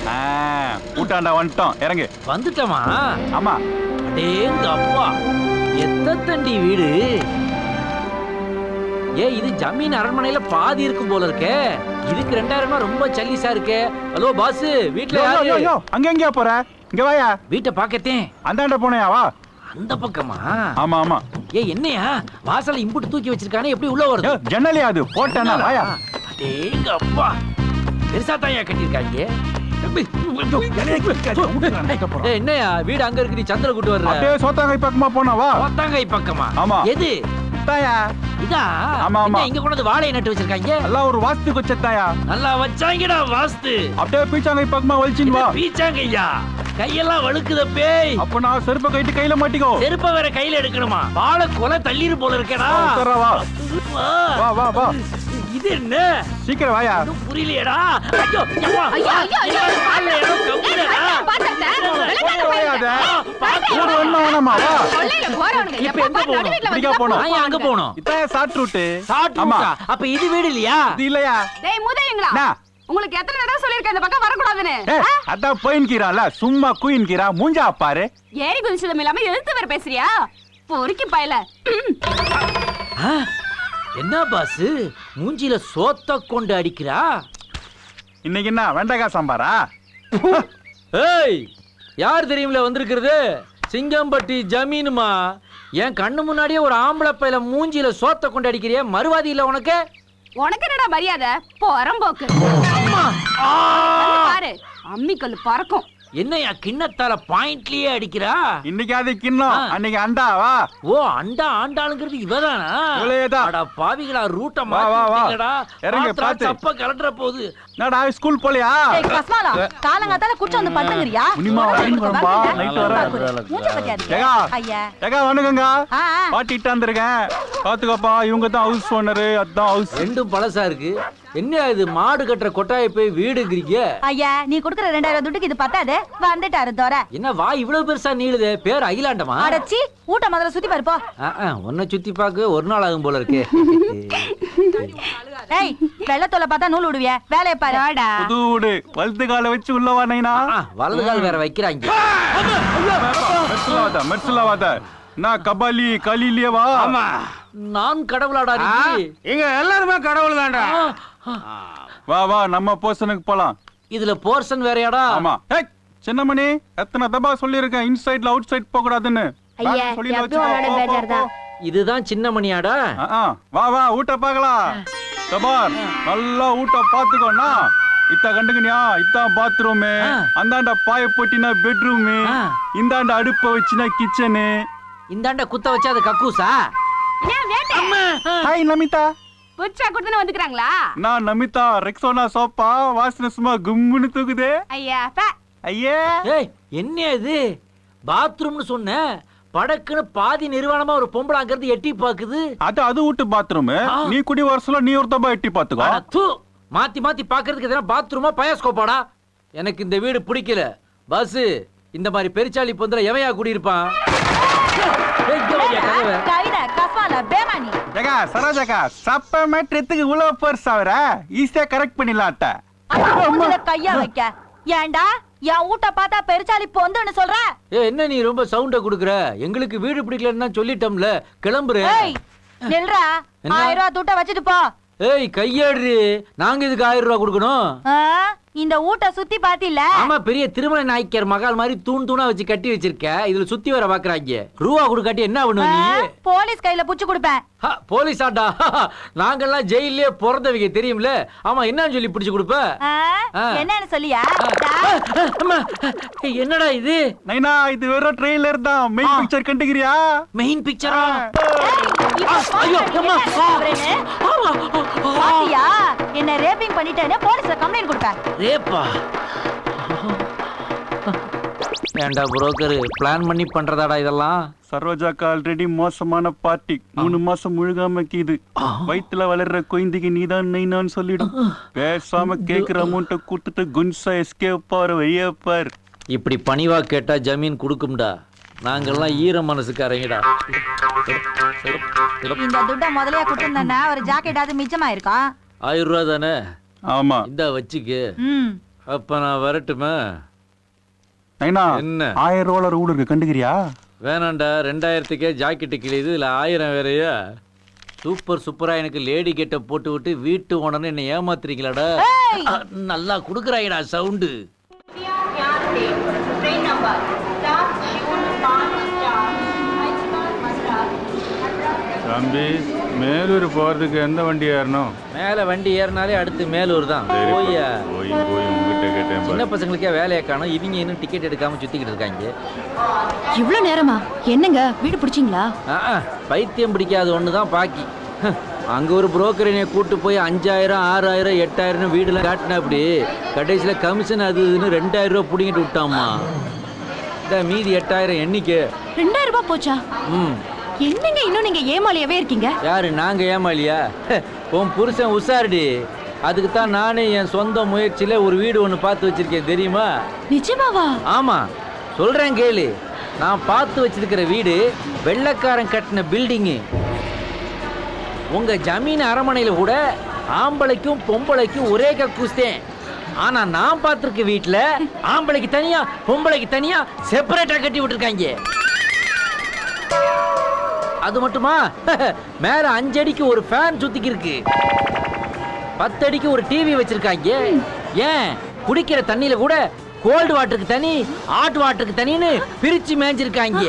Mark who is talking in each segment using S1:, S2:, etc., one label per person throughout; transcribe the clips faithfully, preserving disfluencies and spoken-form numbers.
S1: கூட்டாண்டா வந்துட்டோம், இறங்கு.
S2: வந்துட்டோமா?
S1: ஆமா.
S2: அடேங்க அப்பா, எத்தண்டி வீடு? ஏ, இது ஜமீன் அரண்மனையில பாதி இருக்கும் போல இருக்கே. இதுக்கு ரெண்டாயிரம் ரூபாய் ரொம்ப சல்லிசா இருக்கே. ஹலோ பாஸ், வீட்டுல யாரு?
S1: அங்க எங்கயா போற? இங்க வாயா.
S2: வீட்டை பாக்கத்தேன்.
S1: அந்தாண்ட போனையா? வா. அந்த
S2: பக்கமா?
S1: ஆமா ஆமா.
S2: ஏ, என்னையா வாசல்ல இம்புட்டு தூக்கி வச்சிருக்கானே, எப்படி உள்ள வருது?
S1: ஜன்னலியா அது? போட்டேனா? வாயா.
S2: அடேங்க அப்பா, பெருசா தாயா கட்டிருக்காங்க. என்னையா வீடு அங்க இருக்கு, நீ சந்திர கூட்டு வர்ற?
S1: அப்படியே சோத்தாங்கை பக்கமா போனா வா.
S2: சோத்தாங்கை பக்கமா?
S1: ஆமா.
S2: எது?
S1: தாயா.
S2: இதா?
S1: ஆமா ஆமா.
S2: இங்க கொண்டு வந்து வாழை நட்டு வச்சிருக்காங்க.
S1: எல்லாம் ஒரு வாஸ்து கொச்சத்தாயா.
S2: நல்லா வச்சாங்கடா வாஸ்து.
S1: அப்படியே பீச்சாங்கை பக்கமா வலிச்சின் வா.
S2: பீச்சாங்கையா? கையெல்லாம் வழுக்குத பேய்.
S1: அப்ப நான் செருப்பை கைட்டு கையில மாட்டிக்கோ.
S2: செருப்பை வேற கையில எடுக்கணுமா? வாழை கொலை தள்ளிரு போல இருக்கேடா.
S1: வா வா வா வா.
S2: இது என்ன?
S1: சீக்கிரம் வாயா.
S2: புரியலையடா. ஐயோ ஐயோ ஐயோ ஐயோ கால்ல ஏதோ கவுக்குறடா.
S3: பாத்தடா. விளையாட
S1: ஊர் ஒண்ணு வேணாமா? வா.
S3: கொல்லையில போறவனுங்க
S2: இப்ப எங்க போறோம்?
S1: இங்க போறோம்.
S2: நான் அங்க போறோம்.
S1: இதான் ஷார்ட் ரூட்.
S2: ஷார்ட் ரூட்டா? அப்ப இது வீடு இல்லையா?
S1: இது இல்லையா?
S3: டேய் மூதேங்களா, உங்களுக்கு எத்தனை தடவை சொல்லிருக்கேன் இந்த பக்கம் வர கூடாதுன்னு?
S1: அதான் போயின்கிறான்ல, சும்மா குயின்கிறா. மூஞ்சா பாரு.
S3: ஏறி குதிச்சதும் இல்லாம எழுத்து வேற பேசுறியா? பொறுக்கி பயல.
S2: என்ன பாஸ், மூஞ்சில சோத்த கொண்டு அடிக்கிறா?
S1: இன்னைக்கு என்ன வெண்டைக்காய் சாம்பாரா?
S2: ஏய், யார் தெரியுமில வந்திருக்கிறது? சிங்கம்பட்டி ஜமீனுமா. என் கண்ணு முன்னாடியே ஒரு ஆம்பளை பையில மூஞ்சில சோத்த கொண்டு அடிக்கிறிய, மறுவாதி இல்ல உனக்கு?
S3: உனக்கு என்னடா மரியாதை? போறம்போக்கு. பாரு, அம்மிக்கல் பறக்கும்.
S2: என்னையா கிண்ணத்தால பாயிண்ட்லயே அடிக்கிறா?
S1: இன்னைக்கு அது கிண்ணம், அன்னைக்கு அண்டாவா?
S2: ஓ, அண்டா ஆண்டாளுங்கிறது இவதானா?
S1: இவளேதான்.
S2: அட பாவிகளா, ரூட்ட
S1: வா வா வா.
S2: மாத்திட்டீங்கடா.
S1: இறங்க பாத்து.
S2: சப்ப கலட்ற போகுது.
S1: என்னடா ஸ்கூல் போலையா?
S4: ஏய் கஸ்மாலா, காலங்காத்தால குடிச்சு வந்து படுத்துங்கறியா?
S1: முனிமா வாங்கி வரம்பா, நைட் வர.
S4: மூஞ்ச பத்தியாரு.
S1: ஏகா
S4: ஐயா.
S1: ஏகா வணக்கங்க.
S4: ஆ ஆ.
S1: பாட்டிட்டு வந்திருக்கேன். பாத்துக்கோப்பா, இவங்க தான் ஹவுஸ் ஓனர். அதான் ஹவுஸ்.
S2: ரெண்டும் பழசா இருக்கு. என்ன இது, மாடு கட்டுற கொட்டாயை போய் வீடுங்கிறீங்க?
S4: ஐயா, நீ குடுக்குற ரெண்டாயிரம் துட்டுக்கு இது பத்தாது. வந்துட்டாரு தோர.
S2: என்ன வா இவ்வளவு பெருசா நீளுதே? பேர் அகிலாண்டமா?
S4: அடச்சி, ஊட்ட முதல்ல சுத்தி பாரு போ.
S2: உன்னை சுத்தி பாக்க ஒரு நாள் ஆகும் போல இருக்கு.
S4: ஏய், வெள்ளத்தோல பார்த்தா நூல் விடுவிய. வேலைய பாரு.
S1: புது வீடு, வலது கால வச்சு உள்ளவா நைனா.
S2: வலது கால் வேற வைக்கிறாங்க.
S1: மெர்சுலாவாத மெர்சுலாவாத. நான் கபாலி கலிலியே வா.
S2: ஆமா, நான் கடவுளாடா நீ.
S5: இங்க எல்லாருமே கடவுள் தான்டா.
S1: வா வா, நம்ம போர்ஷனுக்கு போலாம்.
S2: இதுல போர்ஷன் வேறயாடா?
S1: ஆமா. ஏய் சின்னமணி, எத்தனை தடவை சொல்லிருக்கேன் இன்சைட்ல அவுட் சைட் போக கூடாதுன்னு.
S6: ஐயா, எப்பவும் உன்னோட பேஜர் தான்.
S2: இதுதான் சின்ன மணியாடா?
S1: வா வா, ஊட்ட பார்க்கலாம். கபார், நல்லா ஊட்ட பாத்துக்கோண்ணா. இத்த கண்டுக்கணியா, இத்தான் பாத்ரூமு. அந்தாண்ட பாய போட்டினா பெட்ரூமு. இந்தாண்ட அடுப்ப வச்சுனா கிச்சனு.
S2: இந்தாண்ட குத்த வச்சா அது கக்கூசா?
S1: ஹாய் நமிதா.
S3: புச்சா குடுத்துன வந்துக்கறாங்களா?
S1: நான் நமிதா. ரெக்ஸோனா சோப்பா வாசனை சும்மா கும்முன்னு தூக்குதே.
S3: ஐயா பா.
S1: ஐயே.
S2: ஏய், என்ன இது? பாத்ரூம்னு சொன்ன, படக்குன்னு பாதி நிர்வாணமா ஒரு பொம்பளை அங்கிருந்து எட்டி பாக்குது.
S1: அது அது வீட்டு பாத்ரூம். நீ குடி வரசல நீ ஒரு தப்பா எட்டி பாத்துக்கோ.
S2: தூ, மாத்தி மாத்தி பாக்குறதுக்கு எதனா பாத்ரூமா பயாஸ்கோப்பாடா? எனக்கு இந்த வீடு பிடிக்கல. பஸ், இந்த மாதிரி பெருச்சாளி பொந்தல எவையா குடி இருப்பான்?
S4: கவிதை கஸ்மாலா பேமானி.
S1: ஏகா சரோஜாக்கா, சப்ப மேட்ரத்துக்கு உலக பர்ஸ் ஆவற ஈஸியா கரெக்ட் பண்ணிடலாம்ட்ட.
S4: மூஞ்சில கையா வைக்க. ஏண்டா என் ஊட்ட பார்த்தா பெருச்சாளி பொந்துன்னு சொல்ற?
S2: ஏ, என்ன நீ ரொம்ப சவுண்ட குடுக்குற? எங்களுக்கு வீடு பிடிக்கலன்னா சொல்லிட்டோம்ல, கிளம்புற.
S4: ஏய் நில்றா, ஆயிரம் ரூபாய் துட்ட வச்சிட்டு போ.
S2: ஏய் கையாடு, நாங்க இதுக்கு ஆயிரம் ரூபாய் கொடுக்கணும்?
S4: இந்த ஊட்ட சுத்தி பாத்தில?
S2: ஆமா, பெரிய திருமண நாய்க்கர் மகால் மாதிரி தூண் தூணா வச்சு கட்டி வச்சிருக்க. இதுல சுத்தி வர பாக்குறாங்க. ரூபா கொடுக்காட்டி என்ன பண்ணுவ நீ?
S4: போலீஸ் கையில புடிச்சு கொடுப்பேன்.
S2: போலீஸ் ஆட்டா? நாங்கெல்லாம் ஜெயிலே பிறந்தவங்க தெரியும்ல. ஆமா, என்னன்னு சொல்லி பிடிச்சு கொடுப்ப?
S4: என்னன்னு சொல்லியா?
S2: என்னடா இது?
S1: நைனா, இது வெறும் ட்ரெய்லர் தான். மெயின் பிக்சர் கண்டுக்கிறியா?
S2: மெயின் பிக்சரா?
S4: பாத்தியா, என்ன ரேப்பிங் பண்ணிட்டேன்னு போலீஸ்ல கம்ப்ளைண்ட் கொடுப்பேன்.
S2: ரேப்பா? ஏண்டா புரோக்கர், பிளான் பண்ணி பண்றதாடா இதெல்லாம்?
S1: சரோஜாக்கா ஆல்ரெடி மோசமான பார்ட்டி. மூணு மாசம் முழுகாம கீது. வயிற்றுல வளர்ற குழந்தைக்கு நீதான் நைனான்னு சொல்லிடும். பேசாம கேக்குற அமௌண்ட்டை கொடுத்துட்டு குன்சா எஸ்கேப் ஆற வையப்பார்.
S2: இப்படி பணிவா கேட்டா ஜமீன் கொடுக்கும்டா. நாங்கெல்லாம் ஈர மனசுக்காரங்கடா.
S4: இந்த துட்ட முதலையா கொடுத்திருந்தா ஒரு ஜாக்கெட் அது மிச்சமா இருக்கா?
S2: ஆயிரம் ரூபா தானே?
S1: ஆமா,
S2: இந்த வச்சுக்கு. அப்ப நான் வரட்டுமா?
S1: நைனா
S2: என்ன
S1: ஆயிரம் ரூபாய் ரூல் இருக்கு, கண்டுக்கிறியா?
S2: வேணாண்டா, ரெண்டாயிரத்துக்கே ஜாக்கெட்டு கிழியுது, இதுல ஆயிரம் வேறையா? சூப்பர் சூப்பரா எனக்கு லேடி கெட்ட போட்டு விட்டு வீட்டு ஓனர்னு என்ன ஏமாத்துறீங்களாடா? நல்லா குடுக்குறாங்கடா சவுண்டு.
S1: தம்பி, மேலூர் போறதுக்கு எந்த வண்டி ஏறணும்?
S2: மேல வண்டி ஏறினாலே அடுத்து மேலூர் தான். போய்யா
S1: போய் போய் உங்ககிட்ட கேட்டேன்.
S2: சின்ன பசங்களுக்கே வேலையை காணும், இவங்க இன்னும் டிக்கெட் எடுக்காம சுத்திக்கிட்டு இருக்காங்க.
S4: இவ்வளவு நேரமா? என்னங்க வீடு பிடிச்சிங்களா?
S2: பைத்தியம் பிடிக்காத ஒண்ணுதான் பாக்கி. அங்க ஒரு புரோக்கர் என்னைய கூட்டு போய் அஞ்சாயிரம் ஆறாயிரம் எட்டாயிரம் வீடுல காட்டினா அப்படி கடைசியில கமிஷன் அது இதுன்னு ரெண்டாயிரம் ரூபாய் பிடிங்கிட்டு விட்டாமா. இந்த மீதி எட்டாயிரம் எண்ணிக்கை
S4: ரெண்டாயிரம் ரூபாய் போச்சா?
S2: ம்
S4: என்னங்க இன்னும் நீங்க ஏமாளியாவே இருக்கீங்க?
S2: யாரு நாங்க ஏமாளியா? உன் புருஷன் உஷாருடி. அதுக்கு தான் நானே என் சொந்த முயற்சியில ஒரு வீடு ஒன்று பார்த்து வச்சிருக்கேன், தெரியுமா?
S4: நிஜமாவா?
S2: ஆமா, சொல்றேன் கேளு. நான் பார்த்து வச்சிருக்கிற வீடு வெள்ளைக்காரன் கட்டின பில்டிங்கு. உங்க ஜமீன் அரமனையில கூட ஆம்பளைக்கும் பொம்பளைக்கும் ஒரே கக்கூஸ்தேன். ஆனா நான் பார்த்திருக்க வீட்டுல ஆம்பளைக்கு தனியா பொம்பளைக்கு தனியா செப்பரேட்டா கட்டி விட்டுருக்காங்க. அது மட்டுமா, மேல அஞ்சடிக்கு ஒரு ஃபேன் சுத்திக்கு இருக்கு, பத்து அடிக்கு ஒரு டிவி வச்சிருக்காங்க. ஏன் குடிக்கிற தண்ணியில கூட கோல்டு வாட்டருக்கு தனி ஹாட் வாட்டருக்கு தனின்னு பிரிச்சு மேஞ்சிருக்காங்க.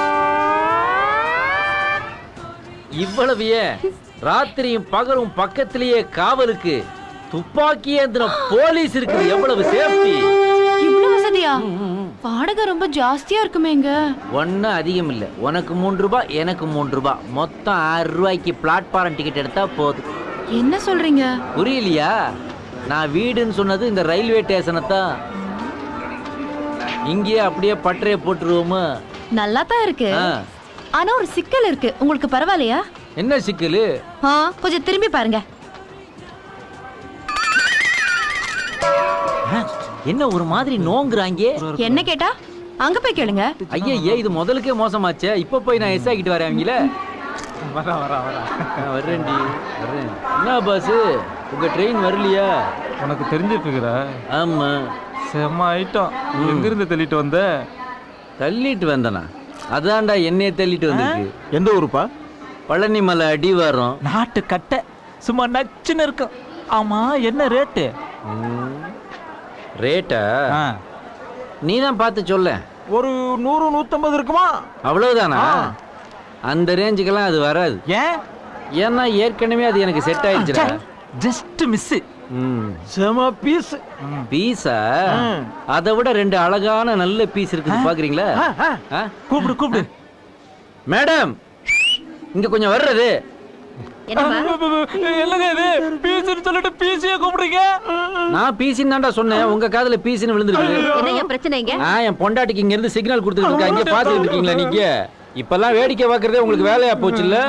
S2: இவ்வளவு ஏன், ராத்திரியும் பகலும் பக்கத்திலேயே காவலுக்கு துப்பாக்கி ஏந்திர போலீஸ் இருக்குது. எவ்வளவு சேஃப்டி!
S4: இவ்வளவு வசதியா? வாடகை ரொம்ப ஜாஸ்தியா இருக்குமேங்க.
S2: ஒன்னும் அதிகம் இல்ல. உனக்கு மூன்று ரூபாய், எனக்கு மூன்று ரூபாய், மொத்தம் ஆறு ரூபாய்க்கு பிளாட்ஃபாரம் டிக்கெட் எடுத்தா போதும்.
S4: என்ன சொல்றீங்க?
S2: புரியலையா? நான் வீடுன்னு சொன்னது இந்த ரயில்வே ஸ்டேஷனை தான். இங்கேயே அப்படியே பட்டறைய போட்டுருவோமா?
S4: நல்லா தான் இருக்கு. ஆனா ஒரு சிக்கல் இருக்கு. உங்களுக்கு பரவாயில்லையா?
S2: என்ன சிக்கலு?
S4: கொஞ்சம் திரும்பி பாருங்க.
S2: என்ன ஒரு மாதிரி நோங்குறாங்க?
S4: என்ன கேட்டா அங்க போய் கேளுங்க.
S2: ஐயே, இது முதலுக்கே மோசமாச்சே. இப்ப போய் நான் எஸ் ஆகிட்டு வரேன் அவங்கள.
S1: வரா வரா வரா
S2: வர்றேன்டி வர்றேன். என்ன பாஸ், உங்க ட்ரெயின் வரலையா?
S1: உனக்கு தெரிஞ்சிட்டு இருக்கிற?
S2: ஆமா.
S1: செம்ம ஐட்டம். எங்கிருந்து தள்ளிட்டு வந்த?
S2: தள்ளிட்டு வந்தனா? அதான்டா என்னைய தள்ளிட்டு வந்திருக்கு.
S1: எந்த ஊருப்பா?
S2: பழனி மலை அடிவாரம்.
S7: நாட்டு கட்டை சும்மா நச்சுன்னு இருக்கும். ஆமா, என்ன ரேட்டு?
S2: ரேட்டா நீ தான் பார்த்து சொல்ல.
S7: ஒரு நூறு நூத்தம்பது இருக்குமா?
S2: அவ்வளவுதானா? அந்த ரேஞ்சுக்கெல்லாம் அது வராது.
S7: ஏன்?
S2: ஏன்னா ஏற்கனவே அது எனக்கு செட் ஆயிடுச்சுடா.
S7: Just miss. செம பீஸ்.
S2: பீஸா? அதை விட ரெண்டு அழகான நல்ல பீஸ் இருக்குது, பாக்குறீங்களா?
S7: கூப்பிடு கூப்பிடு.
S2: மேடம், இங்க கொஞ்சம் வர்றது.
S7: என்னங்க இது? பீஸ்னு சொல்லிட்டு பீஸியே கூப்பிடுறீங்க?
S2: நான் பீசின்னு தான்டா சொன்னேன், உங்க காதுல பீஸ்னு விழுந்துருக்கு.
S3: என்ன பிரச்சனைங்க?
S2: நான் என் பொண்டாட்டிக்கு இங்க இருந்து சிக்னல் கொடுத்துட்டு இருக்கேன். இங்க பாத்துட்டு இருக்கீங்களா நீங்க? இப்பெல்லாம் வேடிக்கை பாக்குறதே உங்களுக்கு வேலையா போச்சு இல்ல?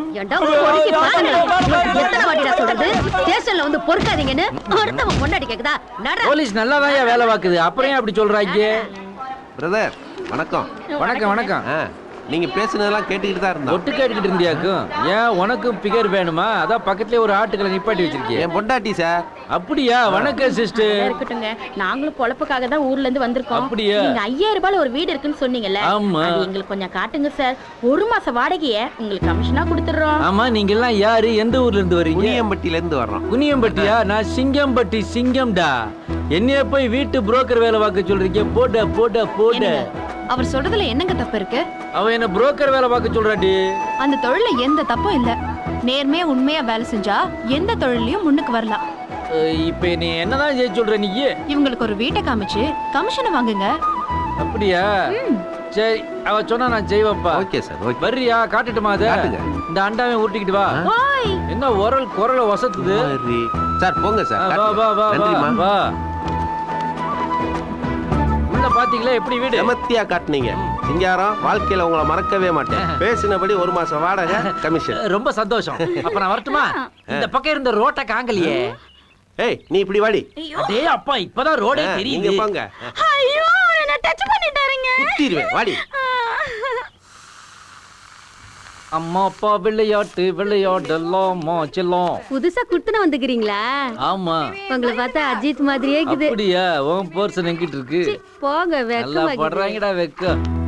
S2: போலீஸ் நல்லாதான் வேலை பாக்குது, அப்புறம் ஏன் அப்படி சொல்றாங்க?
S8: பிரதர் வணக்கம்.
S2: வணக்கம் வணக்கம்.
S8: நீங்க பேசுனதெல்லாம் கேட்டுக்கிட்டு தான் இருந்தோம்.
S2: ஒட்டு கேட்டுக்கிட்டு இருந்தியாக்கும். ஏன் உனக்கும் பிகர் வேணுமா? அதான் பக்கத்துலயே ஒரு ஆட்டுக்களை நிப்பாட்டி வச்சிருக்கேன்.
S8: என் பொண்டாட்டி சார்.
S2: அப்படியா? வணக்கம் சிஸ்டர்.
S9: இருக்கட்டுங்க, நாங்களும் பொழப்புக்காக தான் ஊர்ல இருந்து வந்திருக்கோம்.
S2: அப்படியா?
S9: நீங்க ஐயாயிரம் ரூபாய் ஒரு வீடு இருக்குன்னு சொன்னீங்கல்ல,
S2: ஆமா.
S9: அது எங்களுக்கு கொஞ்சம் காட்டுங்க சார். ஒரு மாச வாடகைய உங்களுக்கு கமிஷனா கொடுத்துறோம்.
S2: ஆமா, நீங்க எல்லாம் யாரு, எந்த ஊர்ல இருந்து வரீங்க?
S8: குனியம்பட்டியில இருந்து வர்றோம்.
S2: குனியம்பட்டியா? நான் சிங்கம்பட்டி சிங்கம்டா. என்னைய போய் வீட்டு புரோக்கர் வேலை பார்க்க சொல்றீங்க? போட போட போட.
S4: அவர் சொல்றதுல என்னங்க தப்பு இருக்கு?
S2: அவன் என்ன புரோக்கர் வேலை பார்க்க சொல்றாடி.
S4: அந்த தொழில எந்த தப்பும் இல்ல. நேர்மையா உண்மையா வேலை செஞ்சா எந்த தொழிலையும் முன்னுக்கு வரலாம்.
S2: இப்ப நீ என்னதான் செய்ய சொல்ற நீ?
S4: இவங்களுக்கு ஒரு வீட்டை காமிச்சு கமிஷனை வாங்குங்க.
S2: அப்படியா? சரி, அவ சொன்னா நான் செய்வேன்ப்பா.
S8: Okay sir. ஓகே.
S2: வர்றியா? காட்டுட்டுமா அத? இந்த அண்டாவை ஊட்டிக்கிட்டு வா. என்ன உரல் குரல வசத்துது
S8: சார்? போங்க சார்.
S2: வா வா வா
S8: நன்றிமா.
S2: வா. உள்ள பாத்தீங்களா எப்படி வீடு?
S8: செமத்தியா காட்டுனீங்க. சிங்காரம், வாழ்க்கையில உங்களை மறக்கவே மாட்டேன். பேசினபடி ஒரு மாசம் வாடகை கமிஷன்.
S2: ரொம்ப சந்தோஷம். அப்ப நான் வரட்டுமா? இந்த பக்கம் இருந்த ரோட்ட காங்கலையே.
S8: ஏய், நீ இப்படி வாடி.
S2: அடே அப்பா, இப்பதான் ரோடே தெரியுது.
S8: நீங்க போங்க.
S9: ஐயோ, என்ன டச் பண்ணிட்டாருங்க.
S8: குத்திடுவேன், வாடி.
S2: அம்மா அப்பா விளையாட்டு விளையாடலாமா செல்லம்.
S6: புதுசா குடுத்துன வந்துக்கிறீங்களா?
S2: ஆமா.
S6: உங்களை பார்த்தா அஜித் மாதிரியே இருக்குது.
S2: அப்படியா? உன் பர்சன் எங்கிட்ட இருக்கு?
S6: போங்க,
S2: நல்லா
S6: வெக்க
S2: படுறாங்கடா வெக்க.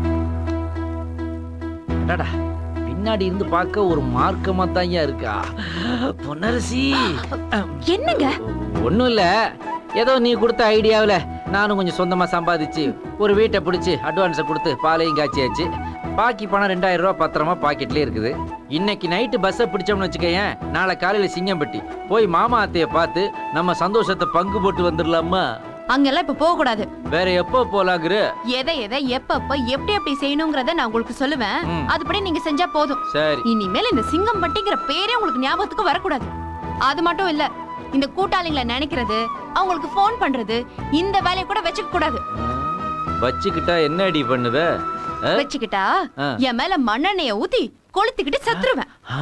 S2: அடடா, பின்னாடி இருந்து பார்க்க ஒரு மார்க்கமா தான்யா இருக்கா பொன்னரசி.
S4: என்னங்க?
S2: ஒண்ணும் இல்ல, ஏதோ நீ கொடுத்த ஐடியாவில் நானும் கொஞ்சம் சொந்தமா சம்பாதிச்சு ஒரு வீட்டை பிடிச்சி அட்வான்ஸை கொடுத்து பாலையும் காய்ச்சியாச்சு. பாக்கி பணம் ரெண்டாயிரம் ரூபாய் பத்திரமா பாக்கெட்லயே இருக்குது. இன்னைக்கு நைட்டு பஸ்ஸை பிடிச்சோம்னு வச்சுக்கேன், நாளை காலையில சிங்கம்பட்டி போய் மாமா அத்தைய பார்த்து நம்ம சந்தோஷத்தை பங்கு போட்டு வந்துடலாமா?
S4: அங்கெல்லாம் இப்ப போக கூடாது.
S2: வேற எப்போ போலாங்கிற?
S4: எதை எதை எப்பப்ப எப்படி எப்படி செய்யணுங்கிறத நான் உங்களுக்கு சொல்லுவேன்.
S2: ம்.
S4: அதுபடி நீங்க செஞ்சா போதும்.
S2: சரி.
S4: இனிமேல் இந்த சிங்கம்பட்டிங்கிற பேரே உங்களுக்கு ஞாபகத்துக்கு வரக்கூடாது. அது மட்டும் இல்ல, இந்த கூட்டாளிங்களை நினைக்கிறது, அவங்களுக்கு போன் பண்றது, இந்த வேலையை கூட வச்சுக்க கூடாது.
S2: வச்சுக்கிட்டா என்ன அடி பண்ணுவ? ஆ?
S4: வச்சுக்கிட்டா
S2: ஆ.
S4: என் மேல மண்ணெண்ணெய ஊத்தி கொளுத்திக்கிட்டு செத்துருவேன்.
S2: ஆ?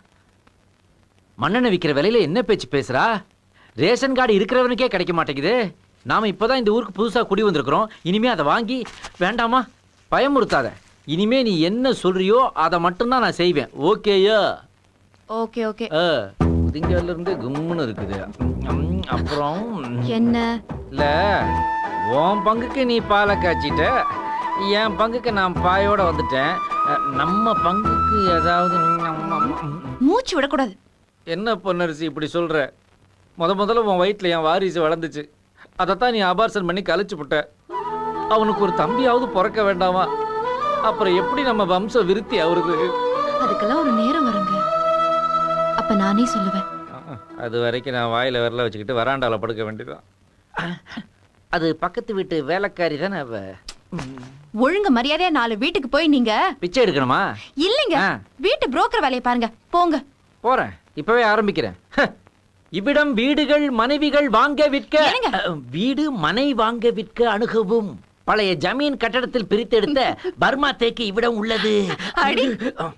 S2: மண்ணெண்ணெய் விக்கிற விலையில என்ன பேச்சு பேசுறா? ரேஷன் கார்டு இருக்கிறவனுக்கே கிடைக்க மாட்டேங்குது. நாம இப்பதான் இந்த ஊருக்கு புதுசா குடி வந்திருக்கிறோம். இனிமே அதை வாங்கி வேண்டாமா? பயமுறுத்தாத. இனிமே நீ என்ன சொல்றியோ அதை மட்டும்தான் நான் செய்வேன். ஓகேயா?
S4: Okay okay.
S2: புதிங்கால இருந்து கும்முன்னு இருக்குது. ம், அப்புறம்
S4: என்ன?
S2: இல்ல, உன் பங்குக்கு நீ பாலை காய்ச்சிட்ட, என் பங்குக்கு நான் பாயோட வந்துட்டேன். நம்ம பங்குக்கு ஏதாவது
S4: மூச்சு விடக்கூடாது.
S2: என்ன பொன்னரசி இப்படி சொல்ற? முத முதல்ல உன் வயிற்றுல என் வாரிசு வளர்ந்துச்சு, அதைத்தான் நீ அபார்சன் பண்ணி கழிச்சு விட்ட. அவனுக்கு ஒரு தம்பியாவது பிறக்க வேண்டாமா? அப்புறம் எப்படி நம்ம வம்சம் விருத்தி ஆகுறது?
S4: அதுக்கெல்லாம் ஒரு நேரம் வருங்க, அப்ப நானே சொல்லுவேன்.
S2: அது வரைக்கும் நான் வாயில விரல வச்சுக்கிட்டு வராண்டால படுக்க வேண்டியதான். அது பக்கத்து வீட்டு வேலைக்காரி தானே அவ.
S4: ஒழுங்கு மரியாதையா நாலு வீட்டுக்கு போய் நீங்க
S2: பிச்சை எடுக்கணுமா?
S4: இல்லைங்க,
S2: ஆ.
S4: வீட்டு புரோக்கர் வேலையை பாருங்க. போங்க.
S2: போறேன், இப்பவே ஆரம்பிக்கிறேன். இவ்விடம் வீடுகள் மனைவிகள் வாங்க விற்க,
S4: என்னங்க?
S2: வீடு மனை வாங்க விற்க அணுகவும் பழைய ஜமீன் கட்டடத்தில் பிரித்தெடுத்த பர்மா தேக்கு இவ்விடம் உள்ளது.
S4: அடி.